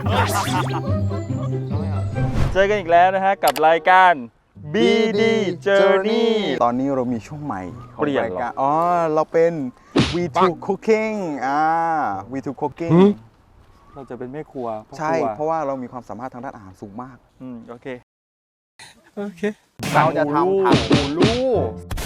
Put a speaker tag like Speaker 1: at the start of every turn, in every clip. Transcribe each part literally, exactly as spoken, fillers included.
Speaker 1: เจอกันอีกแล้วนะฮะกับรายการ บี ดี Journey
Speaker 2: ตอนนี้เรามีช่วงใหม่ของ
Speaker 1: เปลี่ยน
Speaker 2: ราย
Speaker 1: เหรอ
Speaker 2: การอ๋อเราเป็น วี ทู Cooking อ่า วี ทู Cooking
Speaker 1: เราจะเป็นแม่ครัวพ่อ
Speaker 2: ใช่
Speaker 1: ครัว
Speaker 2: เพราะว่าเรามีความสามารถทางด้านอาหารสูงมาก
Speaker 1: อืมโอเค โอเค
Speaker 2: เราจะทำผักหูลูก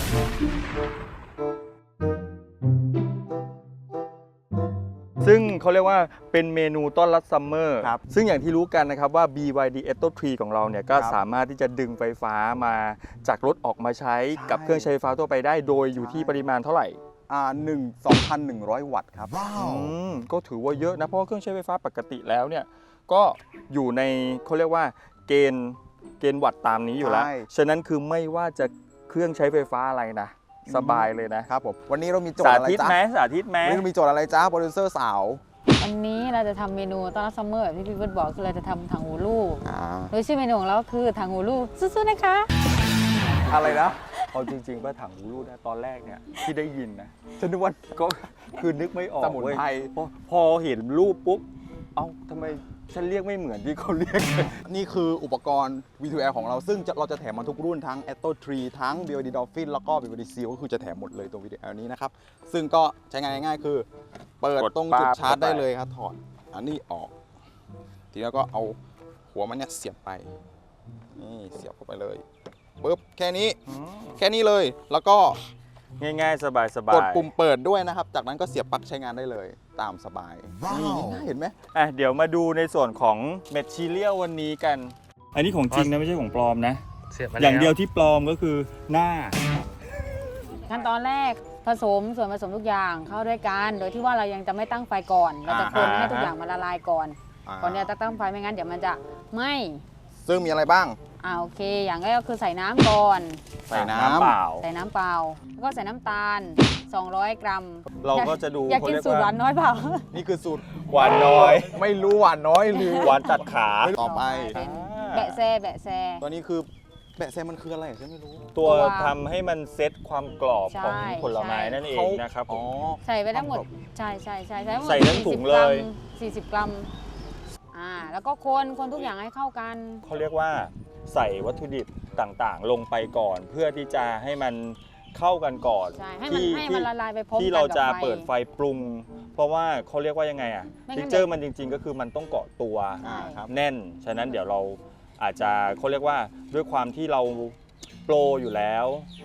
Speaker 1: ซึ่งเขาเรียกว่าเป็นเมนูต้อนรับซัมเมอร์
Speaker 2: ครับ
Speaker 1: ซึ่งอย่างที่รู้กันนะครับว่า บี วาย ดี Eto ทรี ของเราเนี่ยก็
Speaker 2: ครับ
Speaker 1: สามารถที่จะดึงไฟฟ้ามาจากรถออกมาใช้
Speaker 2: ใช่
Speaker 1: กับเครื่องใช้ไฟฟ้าทั่วไปได้โดยอยู่ที่ปริมาณเท่าไหร่
Speaker 2: อ่าหนึ่งสองพันหนึ่งร้อยวัตต์ครับ
Speaker 1: อืมก็ถือว่าเยอะนะเพราะว่าเครื่องใช้ไฟฟ้าปกติแล้วเนี่ยก็อยู่ในเขาเรียกว่าเกณฑ์เกณฑ์วัตต์ตามนี้อยู่แล้ว
Speaker 2: ใช่
Speaker 1: ฉะนั้นคือไม่ว่าจะเครื่องใช้ไฟฟ้าอะไรนะสบายเลยนะครับ
Speaker 2: ผมวันนี้เรามีโจท
Speaker 1: สา
Speaker 2: ย์อะไร
Speaker 1: ธิต
Speaker 2: จ๊ะ
Speaker 1: ไหมสาธิตไหม
Speaker 2: วันนี้เรามีโจทย์อะไรจ๊ะโปรดิวเซอร์สาว
Speaker 3: วันนี้เราจะทำเมนูต้อนรับซัมเมอร์แบบที่พี่เบิร์ดบอกคือเราจะทำถังหูลูก
Speaker 2: อ่า
Speaker 3: โดยชื่อเมนูของเราคือถังหูลูกสู้ๆนะคะ
Speaker 2: อะไรนะ
Speaker 1: เอาจริงๆว่าถังหูรูดนะตอนแรกเนี่ยที่ได้ยินนะ
Speaker 2: ฉันนึกว่า
Speaker 1: ก็คือนึกไม่ออก
Speaker 2: สมุน
Speaker 1: เว้ย
Speaker 2: ไพร
Speaker 1: พอพอเห็นรูปปุ๊บเอ้าทำไมฉันเรียกไม่เหมือนที่เขาเรียกกัน
Speaker 2: นี่คืออุปกรณ์ วี ทู แอล ของเราซึ่งจะเราจะแถมมาทุกรุ่นทั้ง Eto ทรี ทั้ง บี วาย ดี Dolphin แล้วก็ บี วาย ดี Seal ก็คือจะแถมหมดเลยตัว วี ทู แอล นี้นะครับ ซึ่งก็ใช้งานง่ายๆคือ เปิด
Speaker 1: กด
Speaker 2: ตรงจุด
Speaker 1: ปั๊บ
Speaker 2: ชาร์จ
Speaker 1: เข้าไป
Speaker 2: ได้เลยครับถอดอันนี้ออก ทีนี้ก็เอาหัวมันเนี่ยเสียบไป นี่เสียบเข้าไปเลยปุ๊บแค่นี้
Speaker 1: อืม
Speaker 2: แค่นี้เลย แล้วก็
Speaker 1: ง่ายๆ สบายๆ
Speaker 2: กดปุ่มเปิดด้วยนะครับ จากนั้นก็เสียบปลั๊กใช้งานได้เลยตามสบายนี่ง่ายๆเห็นไหม
Speaker 1: อ่ะเดี๋ยวมาดูในส่วนของเมทชีเรียลวันนี้กัน อันนี้ของจริงนะไม่ใช่ของปลอมนะ
Speaker 4: เสียบมา
Speaker 1: อย่างเดียว
Speaker 4: แล้
Speaker 1: ที่ปลอมก็คือหน้า
Speaker 3: ขั้นตอนแรกผสมส่วนผสมทุกอย่างเข้าด้วยกันโดยที่ว่าเรายังจะไม่ตั้งไฟก่อน เราจะคน
Speaker 1: อ่า
Speaker 3: ให้ทุกอย่างมันละลายก่อน
Speaker 2: อ่า
Speaker 3: ก่อนเนี่ยจะตั้งไฟไม่งั้นเดี๋ยวมันจะไหม้
Speaker 2: ซึ่งมีอะไรบ้าง
Speaker 3: อ่าโอเค อย่างแรกก็คือใส่น้ำก่อน
Speaker 2: ใส่น้
Speaker 1: เปล่า
Speaker 3: ใส่น้ำเปล่าแล้วก็ใส่น้ำตาล สองร้อย กรัม
Speaker 1: เราก็จะดู
Speaker 3: อยากกินสูตรหวานน้อยเปล่า
Speaker 2: ำนี่คือสูตร
Speaker 1: หวานน้อย
Speaker 2: ไม่รู้หวานน้อยหรือ
Speaker 1: หวานตัดขา
Speaker 2: ต่อไป
Speaker 3: เป็น
Speaker 1: อ่า
Speaker 3: แบะแซแบะแซ
Speaker 2: ตัวนี้คือแบะแซมมันคืออะไรฉันไม่รู้
Speaker 1: ตัว
Speaker 3: ตัว
Speaker 1: ทำให้มันเซตความกรอบ
Speaker 3: ใช่
Speaker 1: ของผลไม้
Speaker 3: ใช่
Speaker 1: นั่นเอง
Speaker 2: เขา
Speaker 1: นะครับผ
Speaker 2: อ๋อ
Speaker 1: ม
Speaker 3: ใส่ไปทั้งหมดใช่ใช่ใช่ใส่ทั้งหมด
Speaker 1: ใส่ทั้งถุง
Speaker 3: สี่สิบ
Speaker 1: เลย
Speaker 3: กรัมสี่สิบกรัมอ่าแล้วก็คนคนทุกอย่างให้เข้ากัน
Speaker 1: เขาเรียกว่าใส่วัตถุดิบต่างๆ ลงไปก่อน เพื่อที่จะให้มันเข้ากันก่อน
Speaker 3: ใช่ให้มัน
Speaker 1: ที่
Speaker 3: ให้มันละลายไปพร้อมกัน
Speaker 1: ที่เราจะ
Speaker 3: กับไฟ
Speaker 1: เปิดไฟปรุง เพราะว่าเขาเรียกว่ายังไงอ่ะ
Speaker 3: ไม่งั้น
Speaker 1: ทิกเจอร์มันจริง ๆ ก็คือมันต้องเกาะตัว
Speaker 3: ใช่
Speaker 2: ครับ
Speaker 1: แน่น ฉะนั้นเดี๋ยวเราอาจจะเขาเรียกว่าด้วยความที่เราโปรอยู่แล้ว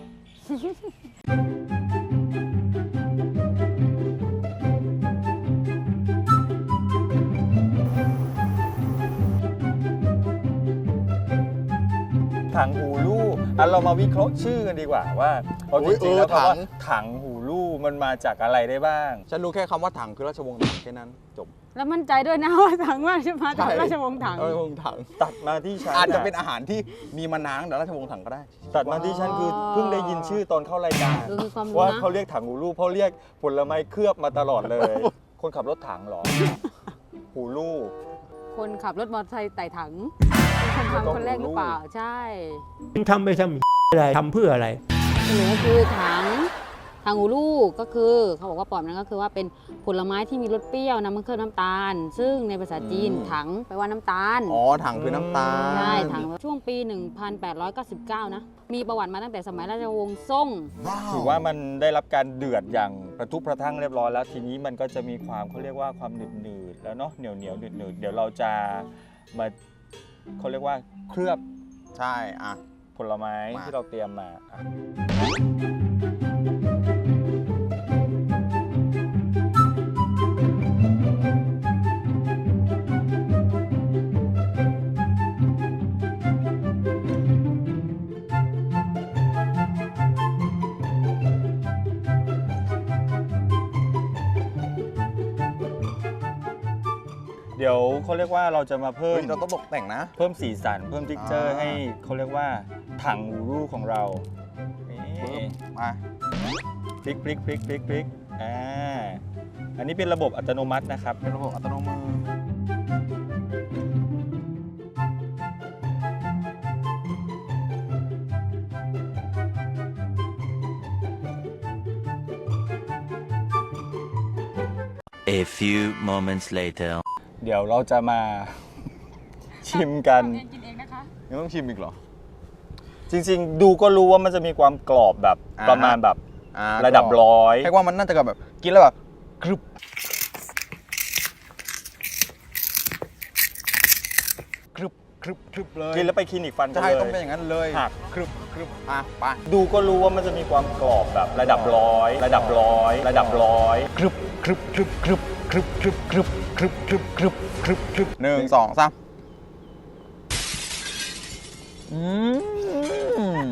Speaker 1: ถังหูลู่อ่ะเรามาวิเคราะห์ชื่อกันดีกว่าว่าเอาจ
Speaker 2: อุ๊ย
Speaker 1: ริงๆแล้ว
Speaker 2: เออถัง
Speaker 1: คำว่าถังหูลู่มันมาจากอะไรได้บ้าง
Speaker 2: ฉันรู้แค่คำว่าถังคือราชวงศ์ถังแค่นั้นจบ
Speaker 3: แล้วมั่นใจด้วยนะว่าถังว่าจะมาจาก
Speaker 2: ใช่
Speaker 3: ราชวงศ์ถัง
Speaker 2: ราชวงศ์ถัง
Speaker 1: ตัดมาที่ฉัน
Speaker 2: อาจจะเป็นอาหารที่มีมานานแต่ราชวงศ์ถังก็ได้
Speaker 1: ตัดมาที่ฉันคือเพิ่งได้ยินชื่อตอนเข้ารายการ
Speaker 3: ดูมีความรู้
Speaker 1: ว่า
Speaker 3: นะ
Speaker 1: เขาเรียกถังหูลู่เพราะเรียกผลไม้เคลือบมาตลอดเลย คนขับรถถังเหรอ หูลู่
Speaker 3: คนขับรถมอเตอร์ไซค์ไต่ถังเป็นคนทำคนแรกหรือเปล่าใช่
Speaker 4: ทำไปทำอะไรทำเพื่ออะไร
Speaker 3: หนูคือถังถังหูลูกก็คือเขาบอกว่าปอมนั้นก็คือว่าเป็นผลไม้ที่มีรสเปรี้ยวน้ำมันเคลือบน้ำตาล ซึ่งในภาษาจีน
Speaker 2: อืม
Speaker 3: ถังแปลว่าน้ำตาล
Speaker 2: อ๋อถังคือน้ำตาล
Speaker 3: ใช่ถังช่วงปี หนึ่งพันแปดร้อยเก้าสิบเก้า นะ มีประวัติมาตั้งแต่สมัยราชวงศ์ซ่ง
Speaker 1: ถือว่ามันได้รับการเดือดอย่างประทุพระทั่งเรียบร้อยแล้ว ทีนี้มันก็จะมีความเขาเรียกว่าความหนืดหนืดๆแล้วเนาะเหนียวเหนียวหนืดหนืดๆเดี๋ยวเราจะมาเขาเรียกว่าเคลือบ
Speaker 2: ใช่อ่ะ
Speaker 1: ผลไม้
Speaker 2: มา
Speaker 1: ที่เราเตรียมมาอ่ะเดี๋ยวเขาเรียกว่าเราจะมาเพิ่
Speaker 2: เฮ้
Speaker 1: ม
Speaker 2: ยเราต้องตกแต่งนะ
Speaker 1: เพิ่มสีสันเพิ่มทิกเจอร์
Speaker 2: อ่า
Speaker 1: ให้เขาเรียกว่าถังหูรูของเรานี่
Speaker 2: ปึ๊บมา
Speaker 1: พลิกพลิกพลิกพลิกพลิกอ่าอันนี้เป็นระบบอัตโนมัตินะครับ
Speaker 2: เป็นระบบอัตโนมือ
Speaker 5: A few moments later.
Speaker 1: เดี๋ยวเราจะมาชิมกัน
Speaker 3: เองกินเองนะคะ
Speaker 2: ยังต้องชิมอีกเหรอ
Speaker 1: จริงๆ ดูก็รู้ว่ามันจะมีความกรอบแบบ
Speaker 2: อ่า
Speaker 1: ประมาณแบบ
Speaker 2: อ่า
Speaker 1: ระดับร้อย
Speaker 2: ให้ว่ามันน่าจะแบบกินแล้วแบบกรึบกรึบกรึบกรึบเลย
Speaker 1: กินแล้วไปคลินิกฟันกัน
Speaker 2: ใช่
Speaker 1: เล
Speaker 2: ต้องเป็น
Speaker 1: ย
Speaker 2: อย่างนั้นเลย
Speaker 1: หัก
Speaker 2: กรึบกรึบอ่ะไป
Speaker 1: ดูก็รู้ว่ามันจะมีความกรอบแบบระดับร้อย ระดับร้อย ระดับร้อย
Speaker 2: กรึบกรึบกรึบกรึบกรึบกรึบกรึบกรึบกรึบกรึบกรึบกรึบหนึ่งสองสามอืมอืม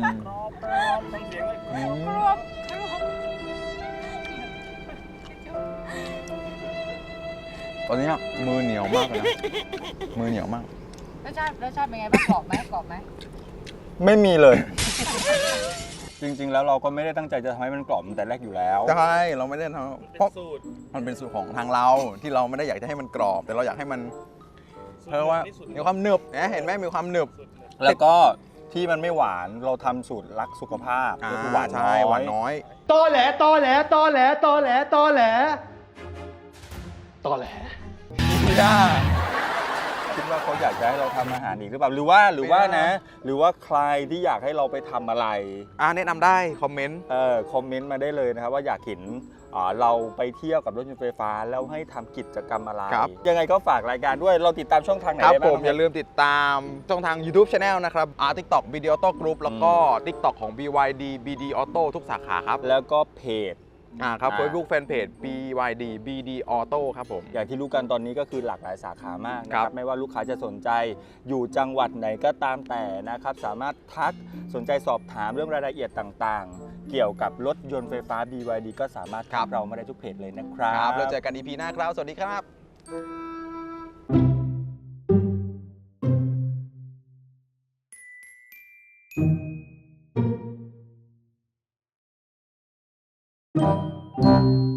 Speaker 2: ตอนนี้มือเหนียวมากเลยนะมือเหนียวมาก
Speaker 3: รสชาติรสชาติเป็นไงบ้างกรอบไหมกรอบไหม
Speaker 1: ไม่มีเลย จริงๆ แล้วเราก็ไม่ได้ตั้งใจจะทำให้มันกรอบตั้งแต่แรกอยู่แล้ว
Speaker 2: ใช่เราไม่ได้ทำเพราะมันเป็นสูตรของทางเราที่เราไม่ได้อยากจะให้มันกรอบ แต่เราอยากให้มันเพราะว่ามีความหนึบนะเห็นไหมมีความหนึบ
Speaker 1: แล้วก็ที่มันไม่หวานเราทำสูตรรักสุขภาพก็คือหวานน้
Speaker 2: ใช่
Speaker 1: อย
Speaker 2: หวานน้อย
Speaker 4: ตอแหลตอแหลตอแหลตอแหลตอแหลตอแหล
Speaker 2: พี่ด้า
Speaker 1: คิดว่าเขาอยากจะให้เราทำอาหารอีกหรือเปล่าหรือว่าหรือว่านะ หรือว่าใครที่อยากให้เราไปทำอะไร
Speaker 2: อ่าแนะนำได้คอมเมนต์
Speaker 1: เออคอมเมนต์มาได้เลยนะครับว่าอยากเห็นอ่าเราไปเที่ยวกับรถยนต์ไฟฟ้าแล้วให้ทำกิจกรรมอะไร ยังไงก็ฝากรายการด้วยเราติดตามช่องทางไหน
Speaker 2: ครับ
Speaker 1: ได้
Speaker 2: ผ
Speaker 1: บ้าง
Speaker 2: มอย่าลืมติดตามช่องทาง YouTube Channel นะครับอ่า TikTok Video Auto Group แล้วก็ TikTok ของ บี วาย ดี บี ดี Auto ทุกสาขาครับ
Speaker 1: แล้วก็เพจ
Speaker 2: อ่าครับ
Speaker 1: อ่า
Speaker 2: Facebook Fanpage บี วาย ดี บี ดี Auto ครับผม
Speaker 1: อย่างที่รู้กันตอนนี้ก็คือหลากหลายสาขามากนะค
Speaker 2: ครั
Speaker 1: รับบ ไม่ว่าลูกค้าจะสนใจอยู่จังหวัดไหนก็ตามแต่นะครับสามารถทักสนใจสอบถามเรื่องรายละเอียดต่างๆ เกี่ยวกับรถยนต์ไฟฟ้า บี วาย ดี ก็สามารถทักเรามาได้ทุกเพจเลยนะครั
Speaker 2: ครับ
Speaker 1: บ
Speaker 2: แล้วเจอกัน อี พี หน้าครับ สวัสดีครับ
Speaker 4: ต